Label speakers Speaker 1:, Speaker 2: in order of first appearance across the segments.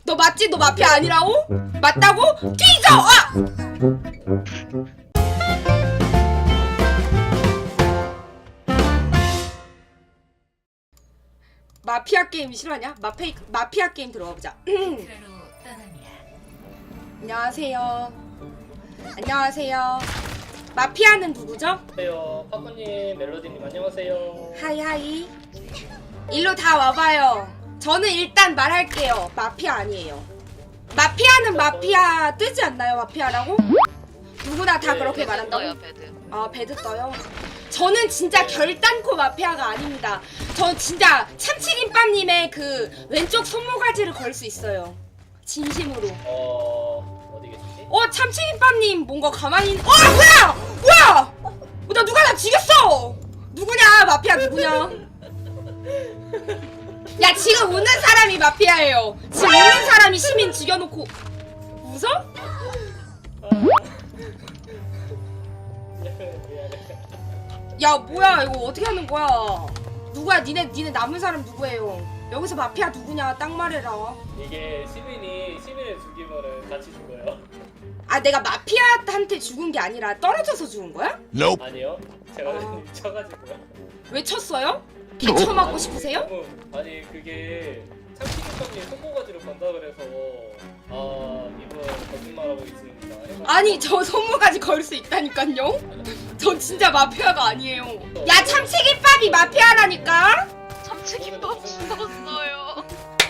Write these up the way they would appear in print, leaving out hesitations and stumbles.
Speaker 1: 너 맞지? 너 마피아 아니라고? 맞다고? 뒤져! 아! 마피아 게임 싫어하냐? 마피아 게임 들어가 보자. 안녕하세요. 안녕하세요. 마피아는 누구죠?
Speaker 2: 안녕하세요. 파쿠님, 멜로디님 안녕하세요.
Speaker 1: 하이. 일로 다 와봐요. 저는 일단 말할게요. 마피아 아니에요. 마피아는 마피아 뜨지 않나요? 마피아라고? 누구나 다
Speaker 2: 네,
Speaker 1: 그렇게
Speaker 2: 배드
Speaker 1: 말한다고?
Speaker 3: 떠요, 배드.
Speaker 1: 아, 배드 떠요? 저는 진짜 결단코 마피아가 아닙니다. 저 진짜 참치김밥님의 그 왼쪽 손모가지를 걸 수 있어요. 진심으로.
Speaker 2: 어디 계시지?
Speaker 1: 참치김밥님 뭔가 가만히 뭐야! 나 누가 나 죽였어! 누구냐? 마피아 누구냐? 야, 지금 웃는 사람이 마피아예요. 지금 웃는 사람이 시민 죽여놓고 웃어? 야, 뭐야 이거 어떻게 하는 거야? 누구야? 니네 남은 사람 누구예요? 여기서 마피아 누구냐? 딱 말해라.
Speaker 2: 이게 시민을 죽이면은 같이 죽어요.
Speaker 1: 아, 내가 마피아한테 죽은 게 아니라 떨어져서 죽은 거야?
Speaker 4: Nope.
Speaker 2: 아니요. 제가 쳐가지고요.
Speaker 1: 왜 쳤어요? 개쳐 맞고 싶으세요?
Speaker 2: 아니 그게 참치김밥님 손모가지로 간다 그래서 이분 거짓말하고 있습니다.
Speaker 1: 아니, 저 손모가지 걸 수 있다니까요? 전 진짜 마피아가 아니에요. 야, 참치김밥이 마피아라니까?
Speaker 3: 참치김밥 죽었어요.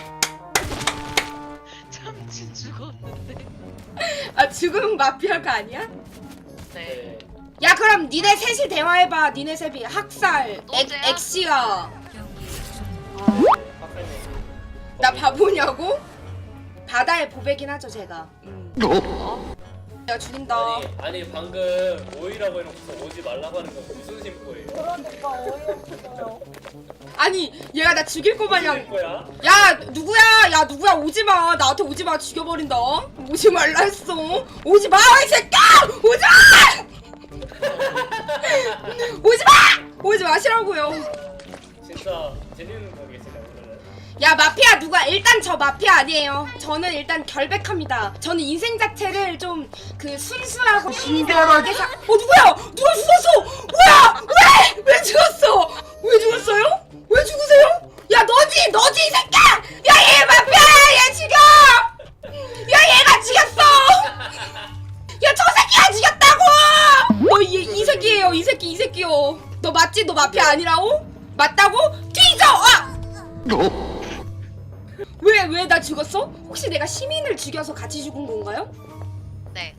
Speaker 3: 참치 죽었는데.
Speaker 1: 아, 죽으면 마피아가 아니야?
Speaker 3: 네.
Speaker 1: 야, 그럼 니네 셋이 대화해봐. 니네 셋이 학살
Speaker 3: 너제야?
Speaker 1: 엑시야.
Speaker 2: 박사님.
Speaker 1: 나 바보냐고? 바다의 보배긴 하죠, 제가. 내가 죽인다.
Speaker 2: 아니 방금 오이라고 해놓고서 오지 말라고 하는 건 무슨 심보예요?
Speaker 1: 아니, 얘가 나 죽일 거 마냥.
Speaker 2: 심보야?
Speaker 1: 야, 누구야? 오지마. 나한테 오지마. 죽여버린다. 오지 말라 했어. 오지마, 이 새끼야! 오지마! 오지 마시라고요.
Speaker 2: 진짜 재밌는 거겠어요 오늘은.
Speaker 1: 야, 마피아 누가? 일단 저 마피아 아니에요. 저는 일단 결백합니다. 저는 인생 자체를 좀 그 순수하고 신기하게 누구야? 누가 죽었어? 뭐야? 왜 죽었어? 왜 죽었어요? 왜 죽으세요? 야, 너지 이 새끼야! 야, 얘 마피아야! 얘 죽여! 야, 얘가 죽였어! 야, 저 새끼가 죽였다고! 너 이 새끼예요. 이 새끼요. 너 맞지? 너 마피아 아니라고? 맞다고? 뒤져! 아! 왜 나 죽었어? 혹시 내가 시민을 죽여서 같이 죽은 건가요?
Speaker 3: 네.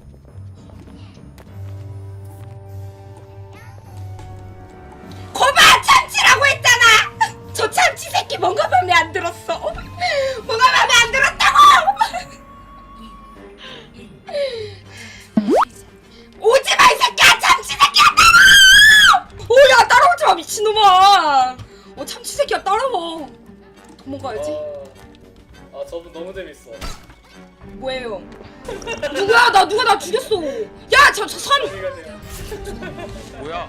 Speaker 1: 거봐! 참치라고 했잖아! 저 참치 새끼 뭔가 맘에 안 들었어. 뭔가 맘에 안 들었다고! 오지마, 이 새끼야! 참치 새끼야! 오야, 따라오지마, 미친놈아! 참치 새끼야, 따라와. 도망가야지.
Speaker 2: 저분 너무 재밌어.
Speaker 1: 뭐예요? 누가 나 죽였어. 야, 저 선.
Speaker 2: 어디 가세요?
Speaker 4: 뭐야?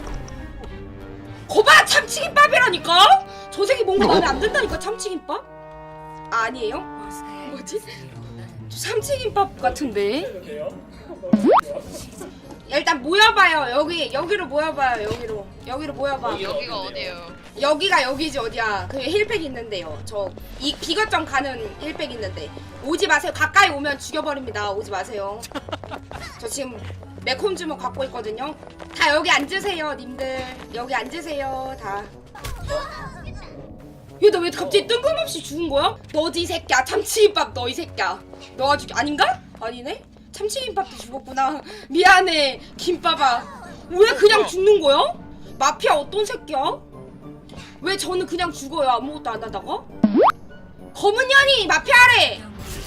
Speaker 1: 거봐, 참치김밥이라니까? 저 새끼 뭔가 마음에 안 든다니까. 참치김밥? 아니에요? 뭐지? 저 참치김밥 같은데?
Speaker 2: 돼요?
Speaker 1: 야, 일단 모여봐요. 여기로 모여봐요. 여기로 모여봐.
Speaker 3: 여기가 어디예요?
Speaker 1: 여기가 여기지 어디야? 그 힐팩 있는데요. 이 비거점 가는 힐팩 있는데 오지 마세요. 가까이 오면 죽여버립니다. 오지 마세요. 저 지금 매콤 주먹 갖고 있거든요. 다 여기 앉으세요, 님들. 여기 앉으세요, 다. 얘 나 왜 갑자기 뜬금없이 죽은 거야? 너지 이 새끼야. 참치김밥 너 이 새끼야. 너가 아닌가? 아니네? 참치김밥도 죽었구나. 미안해, 김밥아. 왜 그냥 죽는 거야? 마피아 어떤 새끼야? 왜 저는 그냥 죽어요? 아무것도 안 하다가? 검은 년이 마피아래!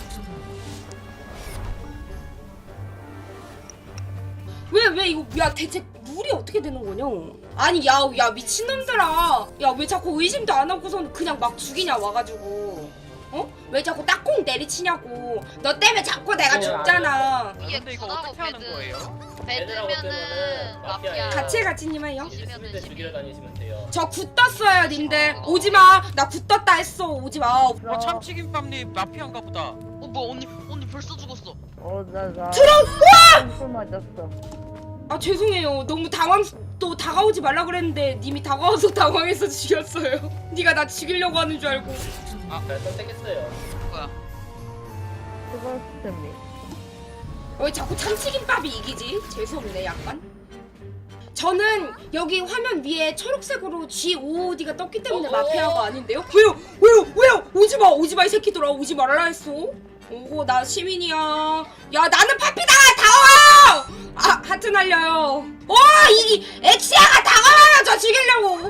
Speaker 1: 왜 이거, 야, 대체 룰이 어떻게 되는 거냐? 아니, 야, 미친놈들아. 야, 왜 자꾸 의심도 안 하고서는 그냥 막 죽이냐, 와가지고. 어? 왜 자꾸 딱콩 내리치냐고. 너 때문에 자꾸 내가 죽잖아.
Speaker 4: 아,
Speaker 3: 위에
Speaker 4: 근데 이거
Speaker 3: 구하고
Speaker 4: 어떻게 하는 거예요?
Speaker 2: 애들하고 뜨면은
Speaker 3: 배드면은
Speaker 2: 마피아예요.
Speaker 3: 마피아.
Speaker 1: 같이님은요?
Speaker 2: 있을 때 죽이러 다니시면 돼요.
Speaker 1: 저 굿 떴어요 님들. 오지마. 나 굿 떴다 했어. 오지마.
Speaker 4: 어 참치김밥님 마피아인가 보다.
Speaker 3: 뭐 언니 벌써 죽었어.
Speaker 5: 나
Speaker 1: 들어!
Speaker 5: 술 맞았어.
Speaker 1: 아 죄송해요. 너무 또 다가오지 말라 그랬는데 님이 다가와서 당황해서 죽였어요. 네가 나 죽이려고 하는 줄 알고.
Speaker 2: 잘 선택했어요.
Speaker 3: 뭐야?
Speaker 5: 수고했습니다.
Speaker 1: 왜 자꾸 참치김밥이 이기지? 재수없네 약간. 저는 여기 화면 위에 초록색으로 GOD가 떴기 때문에 마피아가 아닌데요? 왜요? 오지마 이 새끼들아. 오지 말라 했어. 오고 나 시민이야. 야 나는 파피다. 다와. 아 하트 날려요. 이 엑시아가 다가와요. 저 죽이려고.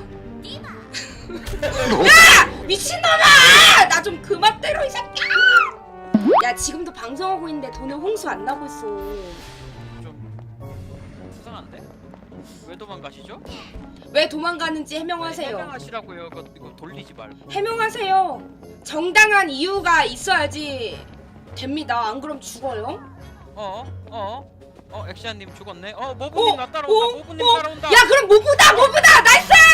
Speaker 1: 야 미친놈아. 나 좀 그만 때려 이 새끼야. 야 지금도 방송하고 있는데 돈을 홍수 안 나고 있어.
Speaker 4: 좀 수상한데? 왜 도망가시죠?
Speaker 1: 왜 도망가는지 해명하세요.
Speaker 4: 해명하시라고요. 이거 돌리지 말고.
Speaker 1: 해명하세요. 정당한 이유가 있어야지 됩니다. 안 그럼 죽어요.
Speaker 4: 엑시아님 죽었네. 모부님 나 따라온다. 모부님 따라온다.
Speaker 1: 야 그럼 모부다 나이스.